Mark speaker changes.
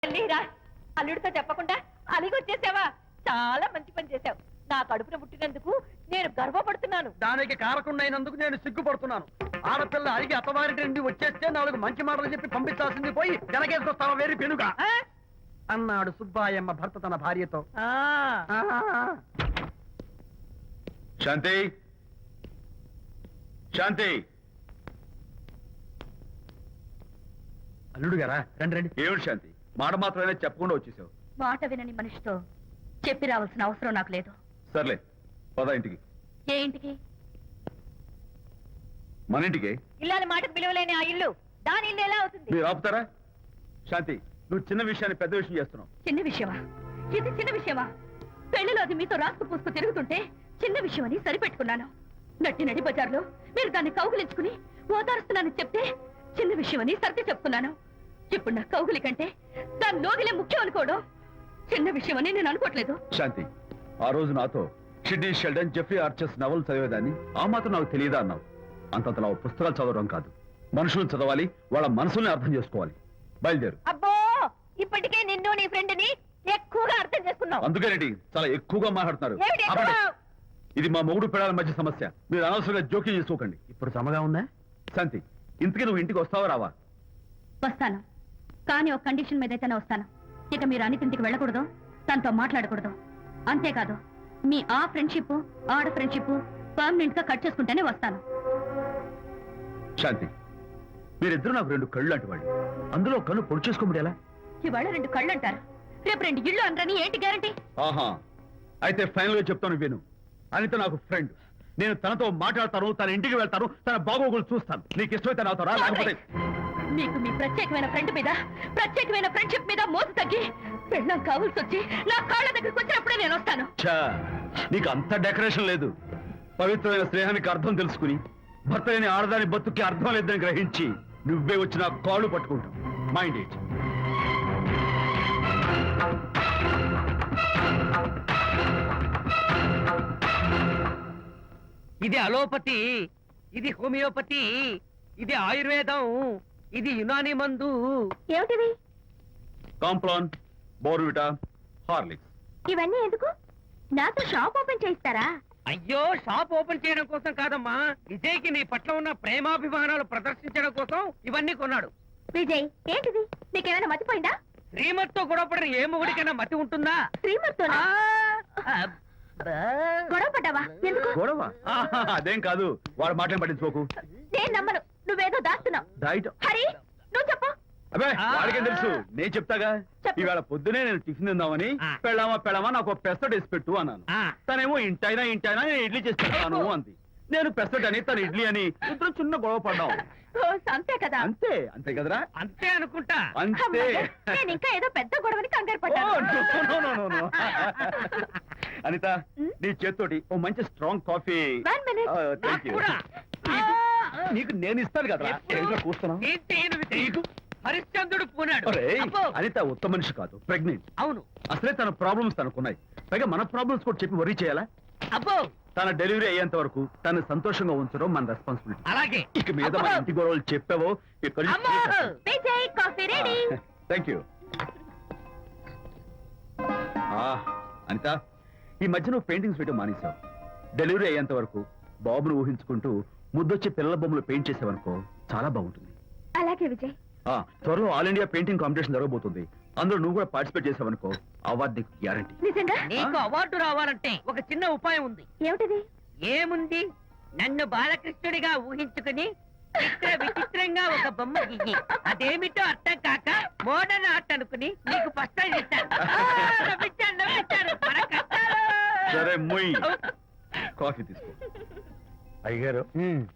Speaker 1: రా అల్లుడితో చెప్పకుండా అలిగొచ్చేసావా? చాలా మంచి పని చేశావు. నా కడుపున పుట్టినందుకు నేను గర్వపడుతున్నాను.
Speaker 2: దానికి కారకుండైనందుకు నేను సిగ్గుపడుతున్నాను. ఆడపిల్ల అడిగి అత్తవారింటి నుండి వచ్చేస్తే 4 మంచి మాటలు చెప్పి పంపించాల్సింది పోయి వెనకేసుకొస్తావా వేరు పెనుగా అన్నాడు సుబ్బాయమ్మ భర్త తన భార్యతో.
Speaker 3: శాంతి, శాంతి.
Speaker 2: అల్లుడు గారా, రండి రండి.
Speaker 3: ఏమిటి శాంతి, మాట మాత్రమే చెప్పకుండా వచ్చేసావు?
Speaker 4: మాట వినని మనిషితో చెప్పి రావాల్సిన అవసరం నాకు లేదు.
Speaker 3: సర్లే, పద ఇంటికి.
Speaker 4: ఏ ఇంటికి?
Speaker 3: మన ఇంటికి.
Speaker 1: ఇల్లాలి మాటకు విలువలేని ఆ ఇల్లు దాని ఇల్లు ఎలా అవుతుంది?
Speaker 3: మీరు ఆపుతారా? శాంతి, నువ్వు చిన్న విషయాన్ని పెద్ద విషయం చేస్తున్నావు.
Speaker 4: చిన్న విషయమా? ఇది చిన్న విషయమా? పెళ్లిలో అది మీతో రాసుకు పూసుకు తిరుగుతుంటే చిన్న విషయమని సరిపెట్టుకున్నాను. నట్టి నడి బజార్లో మీరు దాన్ని కౌగులించుకుని ఓదారుస్తున్నానని చెప్తే చిన్న విషయమని సర్ది చెప్తున్నాను. ఇప్పుడు నా కౌగులి కంటే దాని లోగిలే ముఖ్యం అనుకోవడం చిన్న విషయమని నేను అనుకోవట్లేదు.
Speaker 3: శాంతి, ఆ రోజు నాతో Sidney Sheldon, Jeffrey Archer's novel చదివేదాన్ని ఆ మాత్రం నాకు తెలియదా అన్నావు. అంతంతలా పుస్తకాలు చదవడం కాదు, మనుషులను చదవాలి, వాళ్ళ మనసుల్ని అర్థం చేసుకోవాలి. బయలుదేరు.
Speaker 1: అబ్బో, ఇప్పటికే నిన్ను నీ ఫ్రెండ్ ని ఎక్కువగా అర్థం చేసుకున్నావు.
Speaker 3: అందుకేనండి చాలా ఎక్కువగా మాట్లాడుతున్నారు.
Speaker 1: ఏమిటి ఎక్కువ?
Speaker 3: ఆపండి. ఇది మా మొగుడు పిల్లల మధ్య సమస్య, మీరు అనవసరంగా జోక్యం చేసుకోకండి.
Speaker 2: ఇప్పుడు సమగా ఉందా?
Speaker 3: శాంతి, ఇంతకీ నువ్వు ఇంటికి వస్తావా రావా?
Speaker 4: వస్తాను, కానీ ఒక కండిషన్ మీద అయితేనే వస్తాను. ఇక మీరు అనితింటికి వెళ్ళకూడదు, తనతో మాట్లాడకూడదు. అంతేకాదు, మీ ఆ ఫ్రెండ్షిప్ ఆడ ఫ్రెండ్షిప్ పర్మనెంట్ గా కట్ చేసుకుంటేనే వస్తాను.
Speaker 3: శాంతి, మీరిద్దరూ నాకు 2 కళ్ళు లాంటి వాళ్ళు. అందులో కన్ను పొడి చేసుకోబడి ఎలా?
Speaker 4: ఇవాళ 2 కళ్ళు అంటారు, రేపు 2 ఇళ్ళు అంటారని ఏంటి గ్యారంటీ?
Speaker 3: ఆహా, అయితే ఫైనల్ గా చెప్తాను విను. అనిత నాకు ఫ్రెండ్. నేను తనతో మాట్లాడతాను, తన ఇంటికి వెళ్తాను, తన బాగోగులు చూస్తాను. నీకు ఇష్టమైతే నాతో రా, లేకపోతే
Speaker 4: మీకు మీ ప్రత్యేకమైన ఫ్రెండ్ మీద ప్రత్యేకమైన ఫ్రెండ్షిప్ మీద మోసు తగ్గి పెళ్ళం కావాల్సి వచ్చి నా కాళ్ళ దగ్గరికి వచ్చినప్పుడే నేను వస్తాను.
Speaker 3: ఛా, నీకు అంత డెకరేషన్ లేదు. పవిత్రమైన స్నేహానికి అర్థం తెలుసుకుని భర్త లేని ఆడదాని బతుక్కి అర్థం లేదని గ్రహించి నువ్వే వచ్చి నా కాళ్ళు పట్టుకుంటావు. Mind it.
Speaker 2: ఇది అలోపతి, ఇది హోమియోపతి, ఇది ఆయుర్వేదం, ఇది యునాని మందు.
Speaker 4: ఏమిటివి?
Speaker 3: Complan, Bournvita, Horlicks.
Speaker 4: ఇవన్నీ ఎందుకు? నాతో షాప్ ఓపెన్ చేయిస్తారా?
Speaker 2: అయ్యో, షాప్ ఓపెన్ చేయడం కోసం కాదమ్మా, విజయ్కి నీ పట్ల ఉన్న ప్రేమాభిమానాలు ప్రదర్శించడం కోసం ఇవన్నీ కొన్నాడు.
Speaker 4: విజయ్, ఏంటిది? నీకేమైనా మతిపోయిందా?
Speaker 2: శ్రీమతితో గొడవపడిన ఏ మొగుడికైనా మతి ఉంటుందా?
Speaker 4: శ్రీమతితో గొడవ పడ్డావా? ఎందుకు?
Speaker 3: గొడవ? అదేం కాదు, వాడు మాటలు పట్టించుకోకు.
Speaker 4: నేను నమ్మను, నువ్వేదో దాస్తున్నావు.
Speaker 3: డైట్.
Speaker 4: హరి, నువ్వు చెప్పు.
Speaker 3: అబ్బే, వాడికేం తెలుసు, నేను చెప్తాగా.
Speaker 4: చెప్పు.
Speaker 3: ఈవేళ పొద్దునే నేను టిఫిన్ తిందామని పెళ్ళామా నాకు పెసరట్ వేసి పెట్టు అన్నాను. తనేమో ఇంటైనా నేను ఇడ్లీ చేసి పెడతాను అంది. నేను పెసరట్ అని, తను ఇడ్లీ అని, ఇద్దరు చిన్న గొడవ పడ్డాం.
Speaker 4: అంతే కదా?
Speaker 3: అంతే, అంతే కదరా?
Speaker 2: అంతే అనుకుంటా.
Speaker 3: అంతే.
Speaker 4: అమ్మయ్య, నేను ఇంకా ఏదో పెద్ద గొడవని కంగారు
Speaker 3: ఓ,
Speaker 4: పడ్డాను.
Speaker 3: no. అనిత, నీ చేత్తోటి ఓ మంచి strong coffee.
Speaker 4: 1 minute.
Speaker 3: Thank you.
Speaker 2: కూడా.
Speaker 3: నీకు నేను ఇస్తాను కదా. కూర్చున్నావు.
Speaker 2: ఏంటి ఈయన విజయ్? హరిశ్చంద్రుడు పూనాడు. అబ్బో.
Speaker 3: అనిత ఉత్తమ మనిషి కాదు, ప్రెగ్నెంట్.
Speaker 2: అవును.
Speaker 3: అసలే తన ప్రాబ్లమ్స్ తనకున్నాయి, పైగా మన ప్రాబ్లమ్స్ కూడా చెప్పి వరీ చేయాలా?
Speaker 2: అబ్బో,
Speaker 3: తన డెలివరీ అయ్యేంత వరకు తను సంతోషంగా ఉంచడం మన రెస్పాన్సిబిలిటీ.
Speaker 2: అలాగే.
Speaker 3: ఇక మీద మన ఇంటి గొడవలు చెప్పావో ఇక్కడ.
Speaker 2: అమ్మో.
Speaker 4: Vijay, coffee ready.
Speaker 3: Thank you. Anitha, ఈ మధ్య నువ్వు పెయింటింగ్స్ వేయడం మానేశావు. డెలివరీ అయ్యేంత వరకు బాబును ఊహించుకుంటూ ముద్దొచ్చి పిల్లల బొమ్మలు పెయింట్ చేసావనుకో, చాలా బాగుంటుంది.
Speaker 4: అలాగే విజయ్.
Speaker 3: త్వరలో ఆల్ ఇండియా పెయింటింగ్ కాంపిటీషన్ జరగబోతుంది. అందులో నువ్వు కూడా పార్టిసిపేట్ చేసావనుకో, అవార్డు నీకు గ్యారంటీ.
Speaker 4: నిజంగా?
Speaker 2: నీకు అవార్డు రావాలంటే ఒక చిన్న ఉపాయం ఉంది.
Speaker 4: ఏమిటిది?
Speaker 2: ఏముంది, నన్ను బాలకృష్ణుడిగా ఊహించుకుని విచిత్రంగా ఒక బొమ్మ గీయి. అదేమిటో అర్థం కాక మోడర్న్ ఆర్ట్ అనుకుని నీకు ఫస్ట్ ఇస్తాను. నవ్వించాను.
Speaker 3: సరే, మొయ్. కాఫీ తీసుకో.
Speaker 5: అయ్యగారు